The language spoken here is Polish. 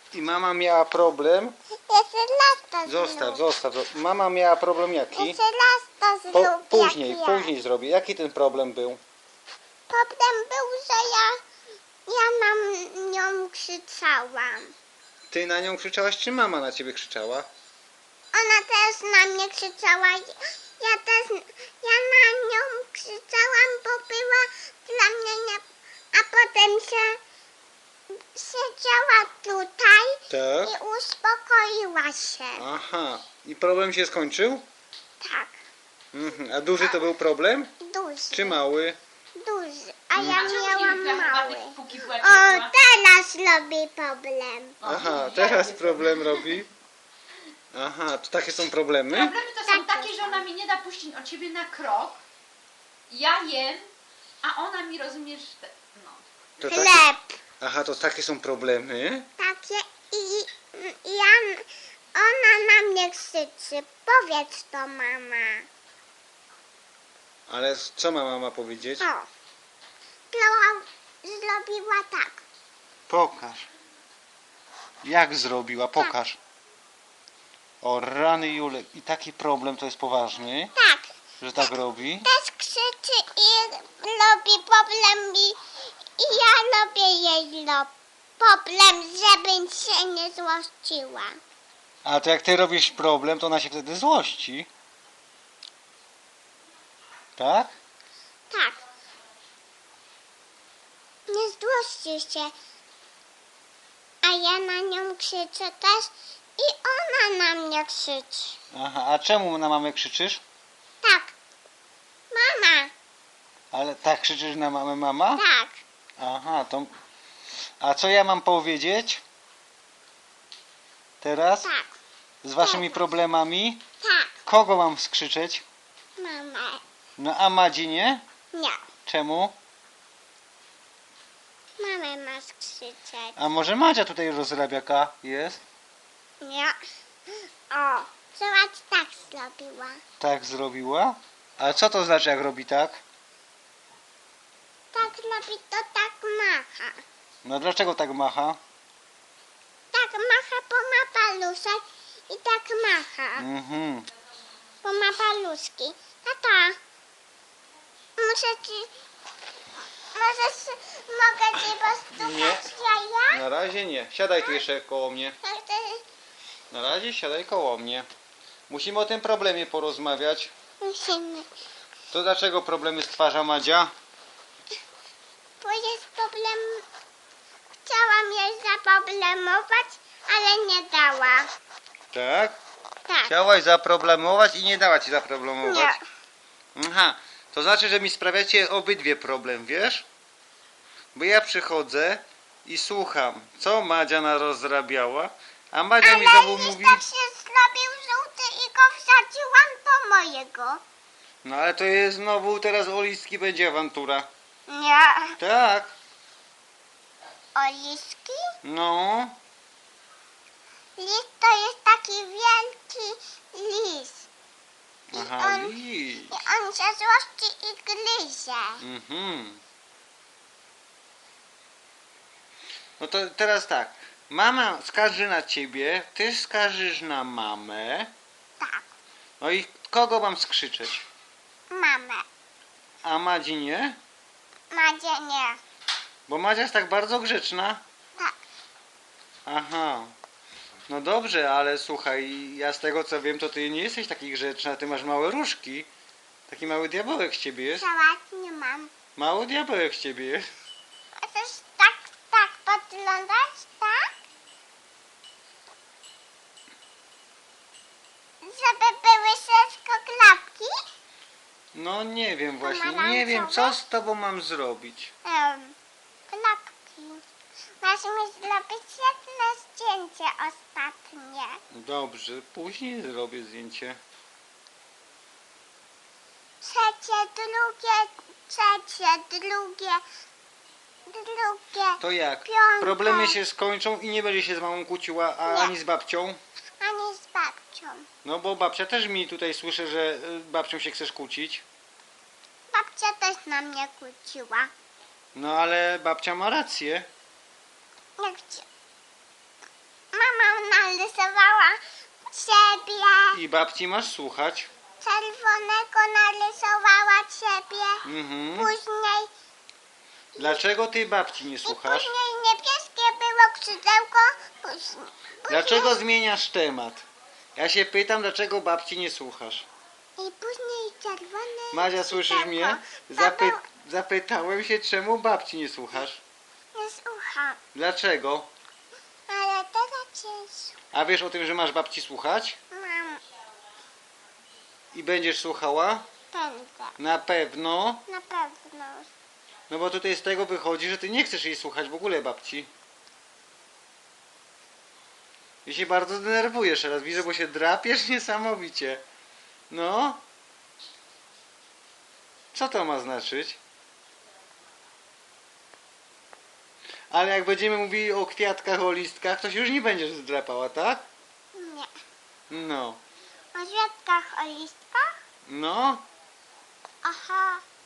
I mama miała problem. Jeszcze raz to Zostaw, zrób. zostaw. Mama miała problem jaki? Jeszcze raz to zrób. Później, jak ja. później zrobię. Jaki ten problem był? Problem był, że ja na nią krzyczałam. Ty na nią krzyczałaś, czy mama na ciebie krzyczała? Ona też na mnie krzyczała. Ja na nią krzyczałam, bo była dla mnie nie... A potem siedziała tutaj Tak. i uspokoiła się. Aha. I problem się skończył? Tak, A duży to był problem? duży. Czy mały? Duży. A ja miałam mały. Póki była O, ciepła. teraz robi problem. Aha, teraz problem robi. Aha, to takie są problemy? Problemy to są takie, że ona mi nie da puścić od siebie na krok. Ja jem, a ona mi, rozumiesz, no. To Chleb. Aha, to takie są problemy? Takie ona na mnie krzyczy. Powiedz to, mama. Ale co ma mama powiedzieć? O. Zrobiła tak. Pokaż. Jak zrobiła? Pokaż. O rany Julek. I taki problem to jest poważny, Tak. że tak robi? Też krzyczy i robi problem i ja robię jej problem, żeby się nie złościła. A to jak ty robisz problem, to ona się wtedy złości. Tak? Tak. Nie złości się. A ja na nią krzyczę też i ona na mnie krzyczy. Aha, a czemu na mamę krzyczysz? Tak. Mama. Ale tak krzyczysz na mamę mama? Tak. Aha, to... A co ja mam powiedzieć? Teraz? Tak. Z waszymi problemami? Tak. Kogo mam skrzyczeć? Mama. No a Madzi nie? Nie. Czemu? Mamę masz krzyczeć. A może Madzia tutaj rozrabiaka jest? Nie. O. Zobacz, tak zrobiła. Tak zrobiła? A co to znaczy jak robi tak? Tak robi, to tak macha. No dlaczego tak macha? Tak macha, bo ma paluszek i tak macha. Mhm. Bo ma paluszki. Tata, mogę ci postukać jaja? Na razie nie. Siadaj tu jeszcze koło mnie. Na razie siadaj koło mnie. Musimy o tym problemie porozmawiać. Musimy. To dlaczego problemy stwarza Madzia? Bo jest problem. Chciałam jej zaproblemować, ale nie dała. Tak? Tak. Chciałaś zaproblemować i nie dała ci zaproblemować. Nie. Aha, to znaczy, że mi sprawiacie obydwie problem, wiesz? Bo ja przychodzę i słucham, co Madzia narozrabiała, a Madzia mi znowu Ale mówi... listek się zrobił żółty i go wsadziłam do mojego. No ale to jest znowu, teraz o listki będzie awantura. Nie. Tak, O listki? no. List to jest taki wielki list. Aha, on- list. I on się złości i gryzie. Mhm. No to teraz tak. Mama skarży na ciebie, ty skarżysz na mamę. Tak. No i kogo mam skrzyczeć? Mamę. A Madzi nie? Madzie nie. Bo Madzia jest tak bardzo grzeczna. Tak. Aha. No dobrze, ale słuchaj, ja z tego co wiem, to ty nie jesteś taki grzeczna, ty masz małe różki. Taki mały diabełek z ciebie jest. Całat nie mam. Mały diabełek z ciebie jest. A też tak podglądać, tak? Żeby były wszystko klapki? No nie wiem właśnie, nie Pomarańczowe? wiem co z tobą mam zrobić. Klapki. Masz mi zrobić jedno zdjęcie ostatnie. Dobrze, później zrobię zdjęcie. Trzecie, drugie. To jak? Piąte. Problemy się skończą i nie będzie się z mamą kłóciła, a Nie. ani z babcią? Ani z babcią. No bo babcia też mi tutaj słyszę, że babcią się chcesz kłócić. Babcia też na mnie kłóciła. No ale babcia ma rację. Nie chcia... narysowała ciebie. I babci masz słuchać. Czerwonego narysowała ciebie. Mhm. Później, Dlaczego ty babci nie i słuchasz? później niebieskie było krzydełko. Później, Dlaczego zmieniasz temat? Ja się pytam, dlaczego babci nie słuchasz? I później czerwone. Madzia, słyszysz mnie? Zapytałem się, czemu babci nie słuchasz? Nie słucham, Dlaczego? ale teraz cię A wiesz o tym, że masz babci słuchać? mam. I będziesz słuchała? Będę, Na pewno. na pewno. No bo tutaj z tego wychodzi, że ty nie chcesz jej słuchać w ogóle babci. I się bardzo denerwujesz teraz. Widzę, bo się drapiesz niesamowicie. No. Co to ma znaczyć? Ale jak będziemy mówili o kwiatkach, o listkach, to się już nie będziesz zdrapała, tak? Nie. No. O świadkach, o listkach? No. Aha.